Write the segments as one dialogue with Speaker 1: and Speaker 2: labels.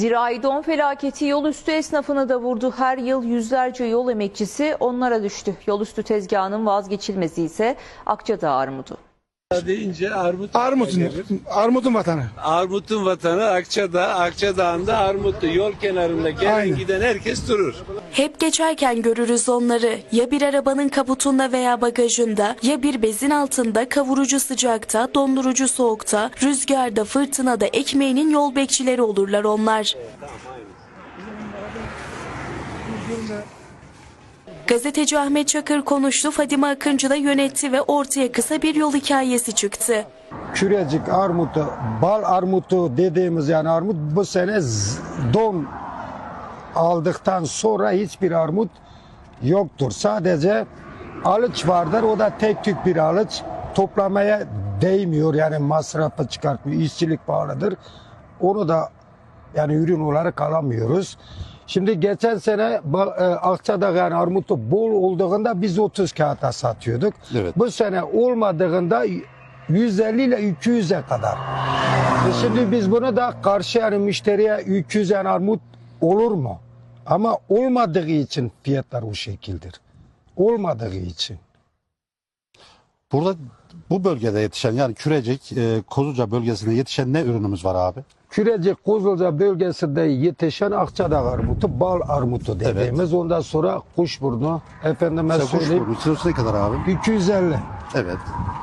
Speaker 1: Zirai don felaketi yol üstü esnafını da vurdu. Her yıl yüzlerce yol emekçisi onlara düştü. Yol üstü tezgahının vazgeçilmezi ise Akçadağ armudu.
Speaker 2: Deyince
Speaker 3: Armut'un vatanı.
Speaker 2: Armut'un vatanı Akçadağ. Akçadağ'ında Armutlu. Yol kenarında gelen
Speaker 3: Aynen.
Speaker 2: giden herkes durur.
Speaker 4: Hep geçerken görürüz onları. Ya bir arabanın kaputunda veya bagajında, ya bir bezin altında, kavurucu sıcakta, dondurucu soğukta, rüzgarda, fırtınada ekmeğinin yol bekçileri olurlar onlar. Gazeteci Ahmet Çakır konuştu, Fadime Akıncı da yönetti ve ortaya kısa bir yol hikayesi çıktı.
Speaker 5: Kürecik armutu, bal armutu dediğimiz yani armut bu sene don aldıktan sonra hiçbir armut yoktur. Sadece alıç vardır. O da tek tük bir alıç. Toplamaya değmiyor yani masrafı çıkartmıyor. İşçilik pahalıdır. Onu da yani ürün olarak alamıyoruz. Şimdi geçen sene Akçadağ yani armutu bol olduğunda biz 30 kağıta satıyorduk.
Speaker 6: Evet.
Speaker 5: Bu sene olmadığında 150 ile 200'e kadar. Şimdi biz bunu da karşı yani müşteriye 200 yani armut olur mu? Ama olmadığı için fiyatlar o şekildir. Olmadığı için.
Speaker 6: Burada bu bölgede yetişen yani Kürecik, Kozluca bölgesinde yetişen ne ürünümüz var abi?
Speaker 5: Kürecik, Kozluca bölgesinde yetişen Akçadağ armutu, bal armutu dediğimiz.
Speaker 6: Evet.
Speaker 5: Ondan sonra kuşburnu, efendime
Speaker 6: Mesela
Speaker 5: söyleyeyim,
Speaker 6: kuşburnu kilosu ne kadar abi?
Speaker 5: 250.
Speaker 6: Evet.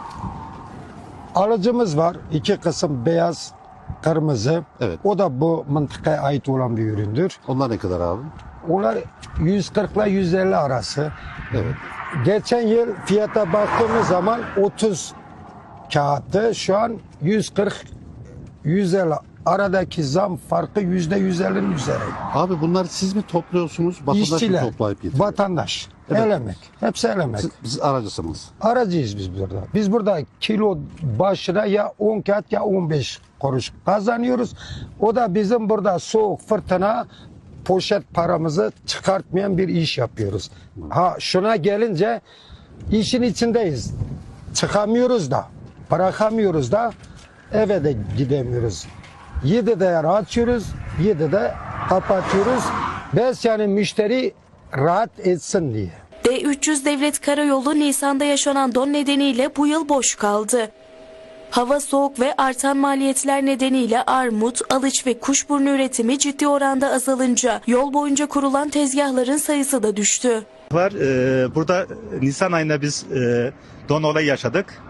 Speaker 5: Alıcımız var. İki kısım beyaz, kırmızı.
Speaker 6: Evet.
Speaker 5: O da bu mıntıkaya ait olan bir üründür.
Speaker 6: Onlar ne kadar abi?
Speaker 5: Onlar 140 ile 150 arası.
Speaker 6: Evet.
Speaker 5: Geçen yıl fiyata baktığımız zaman 30 kağıttı. Şu an 140, 150. Aradaki zam farkı %150'nin üzeri.
Speaker 6: Abi bunları siz mi topluyorsunuz? Vatandaş
Speaker 5: İşçiler,
Speaker 6: mı toplayıp getiriyor?
Speaker 5: vatandaş,
Speaker 6: Evet.
Speaker 5: el emek. Hepsi el emek.
Speaker 6: Siz aracısınız.
Speaker 5: Aracıyız biz burada. Biz burada kilo başına ya 10 kağıt ya 15 kuruş kazanıyoruz. O da bizim burada soğuk fırtına poşet paramızı çıkartmayan bir iş yapıyoruz. Ha şuna gelince işin içindeyiz. Çıkamıyoruz da, bırakamıyoruz da, eve de gidemiyoruz. 7'de yani açıyoruz, 7'de kapatıyoruz. Biz yani müşteri rahat etsin diye.
Speaker 4: D300 Devlet Karayolu Nisan'da yaşanan don nedeniyle bu yıl boş kaldı. Hava soğuk ve artan maliyetler nedeniyle armut, alıç ve kuşburnu üretimi ciddi oranda azalınca yol boyunca kurulan tezgahların sayısı da düştü.
Speaker 7: Burada Nisan ayında biz don olayı yaşadık.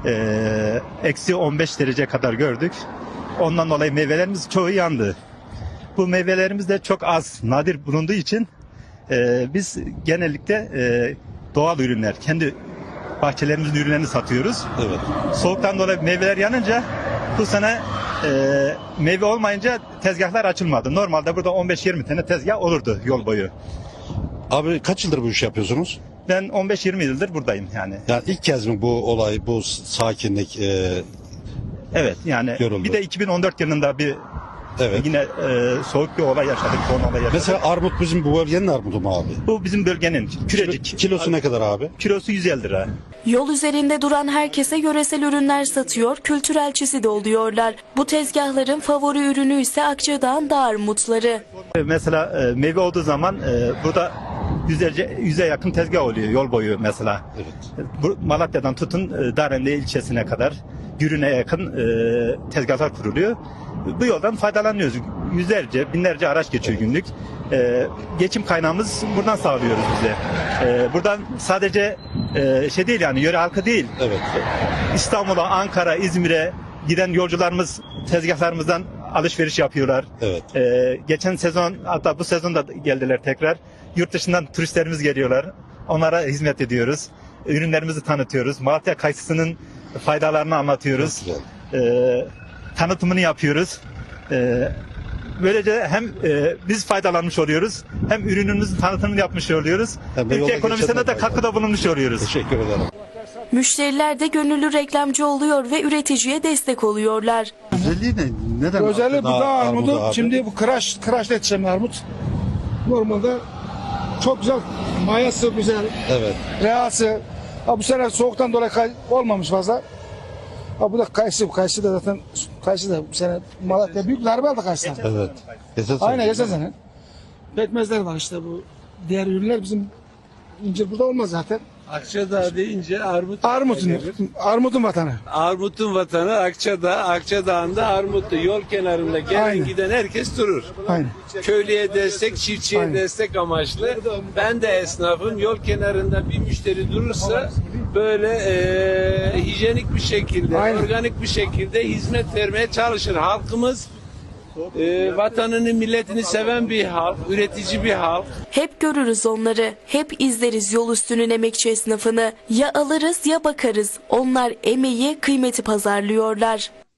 Speaker 7: Eksi 15 derece kadar gördük. Ondan dolayı meyvelerimiz çoğu yandı. Bu meyvelerimiz de çok az, nadir bulunduğu için biz genellikle doğal ürünler, kendi bahçelerimizin ürünlerini satıyoruz.
Speaker 6: Evet.
Speaker 7: Soğuktan dolayı meyveler yanınca bu sene meyve olmayınca tezgahlar açılmadı. Normalde burada 15-20 tane tezgah olurdu yol boyu.
Speaker 6: Abi kaç yıldır bu işi yapıyorsunuz?
Speaker 7: Ben 15-20 yıldır buradayım yani.
Speaker 6: Yani ilk kez mi bu olay, bu sakinlik?
Speaker 7: Evet yani
Speaker 6: Yoruldu.
Speaker 7: bir de 2014 yılında bir
Speaker 6: Evet.
Speaker 7: yine soğuk bir olay yaşadık, don olay yaşadık.
Speaker 6: Mesela armut bizim bu bölgenin armudu mu abi?
Speaker 7: Bu bizim bölgenin Kürecik.
Speaker 6: Kilosu ne kadar abi?
Speaker 7: Kilosu 150 lira.
Speaker 4: Yol üzerinde duran herkese yöresel ürünler satıyor, kültürelçisi de oluyorlar. Bu tezgahların favori ürünü ise Akçadağ'ın dağ armutları.
Speaker 7: Mesela meyve olduğu zaman burada yüze yakın tezgah oluyor yol boyu mesela.
Speaker 6: Evet.
Speaker 7: Bu Malatya'dan tutun Darende ilçesine kadar Gürün'e yakın tezgahlar kuruluyor. Bu yoldan faydalanıyoruz. Yüzlerce, binlerce araç geçiyor günlük. Geçim kaynağımız buradan sağlıyoruz bize. Buradan sadece şey değil yani yöre halkı değil.
Speaker 6: Evet.
Speaker 7: İstanbul'a, Ankara, İzmir'e giden yolcularımız tezgahlarımızdan alışveriş yapıyorlar.
Speaker 6: Evet.
Speaker 7: Geçen sezon hatta bu sezon da geldiler tekrar. Yurt dışından turistlerimiz geliyorlar. Onlara hizmet ediyoruz. Ürünlerimizi tanıtıyoruz. Malatya kayısısının faydalarını anlatıyoruz.
Speaker 6: Çok güzel.
Speaker 7: Tanıtımını yapıyoruz. Böylece hem biz faydalanmış oluyoruz, hem ürünümüzün tanıtımını yapmış oluyoruz.
Speaker 6: Hem de
Speaker 7: Ülke
Speaker 6: yola
Speaker 7: ekonomisine
Speaker 6: geçenler
Speaker 7: de katkıda bulunmuş oluyoruz.
Speaker 6: Teşekkür ederim.
Speaker 4: Müşteriler de gönüllü reklamcı oluyor ve üreticiye destek oluyorlar.
Speaker 6: Özelliği ne? Neden?
Speaker 3: Özellikle bu
Speaker 6: Akçadağ
Speaker 3: dağ armudu.
Speaker 6: abi?
Speaker 3: Şimdi bu kıraçla yetişen bir armut. Normalde çok güzel, mayası güzel,
Speaker 6: Evet.
Speaker 3: rehası. Ha, bu sene soğuktan dolayı olmamış fazla. Ha bu da kayısı. Kayısı da zaten kayısı da bu sene Malatya büyük darbe aldı kayısı.
Speaker 6: Evet. Geçen sene.
Speaker 3: Aynen geçen sene. Pekmezler var işte bu. Diğer ürünler bizim incir burada olmaz zaten.
Speaker 2: Akçadağ deyince armut.
Speaker 3: Armutun vatanı.
Speaker 2: Armut'un vatanı Akçadağ. Akçadağ'ında armutlu. Yol kenarında gelen
Speaker 3: Aynen.
Speaker 2: giden herkes durur.
Speaker 3: Aynen.
Speaker 2: Köylüye destek, çiftçiye
Speaker 3: Aynen.
Speaker 2: destek amaçlı. Ben de esnafım. Yol kenarında bir müşteri durursa böyle hijyenik bir şekilde,
Speaker 3: Aynen.
Speaker 2: organik bir şekilde hizmet vermeye çalışır. Halkımız vatanını, milletini seven bir halk, üretici bir halk.
Speaker 4: Hep görürüz onları, hep izleriz yol üstünün emekçi esnafını. Ya alırız ya bakarız. Onlar emeği, kıymeti pazarlıyorlar.